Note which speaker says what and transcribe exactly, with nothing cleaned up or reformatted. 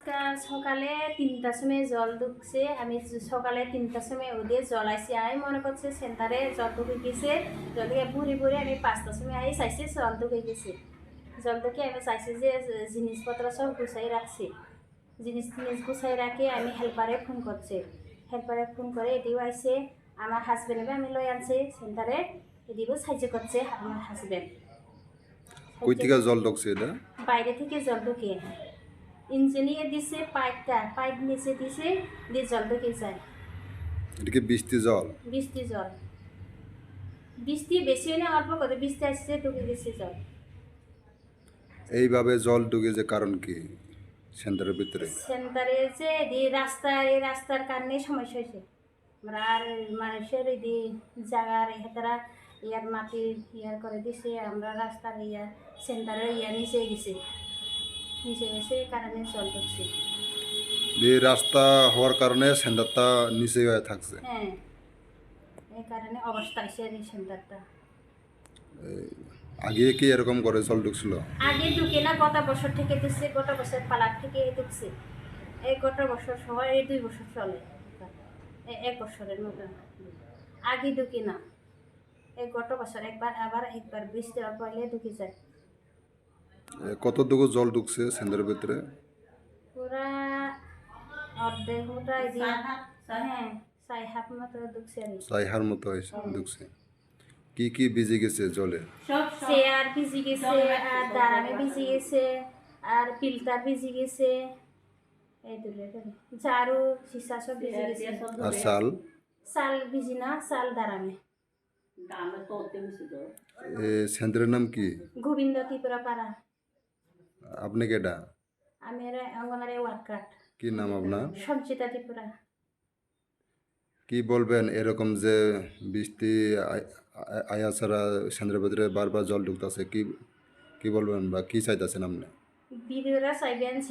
Speaker 1: আজকে সকালে তিনটার সময় জল ঢুকছে। আমি সকালে তিনটার সময় ওদের জল আইসি, আমি মনে করছি সেন্টারে জল ঢুকে গেছে। জল ঢুকে ভরে ভরে আমি পাঁচটার সময় আই চাইছি জল ঢুকে গেছে। জল ঢুকে আমি চাইছি যে জিনিসপত্র সব গুছাই রাখছি। জিনিস টিনিস গুছাই রাখি আমি হেল্পারে ফোন করছি। হেল্পারে ফোন করে এদিও আইসে, আমার হাজবেন্ডকে আমি লই আনছি সেন্টারে, এদিকেও সাহায্য করছে আমার হাজবেন্ড।
Speaker 2: কই থেকে জল ঢুকছে এটা?
Speaker 1: বাইরে থেকে জল ঢুকে ইঞ্জিনিয়ার দিছে, পাইপটা পাইপ নিচে দিছে, দিয়ে জল ঢুকে যায়।
Speaker 2: এটা কি বৃষ্টি জল?
Speaker 1: বৃষ্টি জল, বৃষ্টি বেশি হলে অল্প করে বৃষ্টি আসছে ঢুকে গেছে জল।
Speaker 2: এইভাবে জল ঢুকে যে কারণ কি সেন্টারের ভিতরে?
Speaker 1: সেন্টারে যে এই রাস্তার এই রাস্তার কারণে সমস্যা হয়েছে। আমরা আর মানুষের এই যে জায়গার হেতারা ইয়ার মাটি ইয়ার করে দিছে, আমরা রাস্তার ইয়া সেন্টারে ইয়া নিচে গেছি, নিচে গেছে এই কারণে জল ঢুকছে।
Speaker 2: এই রাস্তা হওয়ার কারণে সেন্টারটা নিচে হয়ে থাকছে।
Speaker 1: হ্যাঁ, এই কারণে অবস্থা হয়েছে এই সেন্টারটা।
Speaker 2: আগে কি এরকম করে জল ঢুকছিল?
Speaker 1: আগে ঢুকে না, গত বছর থেকে ঢুকছে, গত বছর পালার থেকে ঢুকছে। এই গত বছর সহ এই দুই বছর চলে, এক বছরের মতো আগে ঢুকি না। এই গত বছর একবার, আবার একবার বৃষ্টি পড়লে ঢুকে যায়।
Speaker 2: কতটুকু জল ঢুকছে সেন্টারের ভিতরে?
Speaker 1: পুরা অর্ধেক মতো হ্যাঁ ছয় হাত মতো ঢুকছে আর কি।
Speaker 2: ছয় হার মতো হয়েছে ঢুকছে। কি কি ভিজে গেছে জলে?
Speaker 1: চেয়ার ভিজে গেছে, আর দাঁড়ামে ভিজে গেছে, আর ফিল্টার ভিজে গেছে, এই দুটো ঝাড়ু সীসা সব ভিজে গেছে।
Speaker 2: আর চাল?
Speaker 1: চাল ভিজি না, চাল দাঁড়ামে।
Speaker 2: সেন্টারের নাম কি?
Speaker 1: গোবিন্দ ত্রিপুরা পাড়া।
Speaker 2: আপনি কেডা?
Speaker 1: আমি অঙ্গনারী ওয়ার্কার।
Speaker 2: কি নাম আপনার?
Speaker 1: সঞ্চিতা ত্রিপুরা।
Speaker 2: কি বলবেন এরকম যে বৃষ্টি আয়া ছাড়া সেন্টারের ভিতরে বারবার জল ঢুকতেছে, কি কি বলবেন বা কি চাইতেছেন আপনি?
Speaker 1: বিডিওরা চাইবেন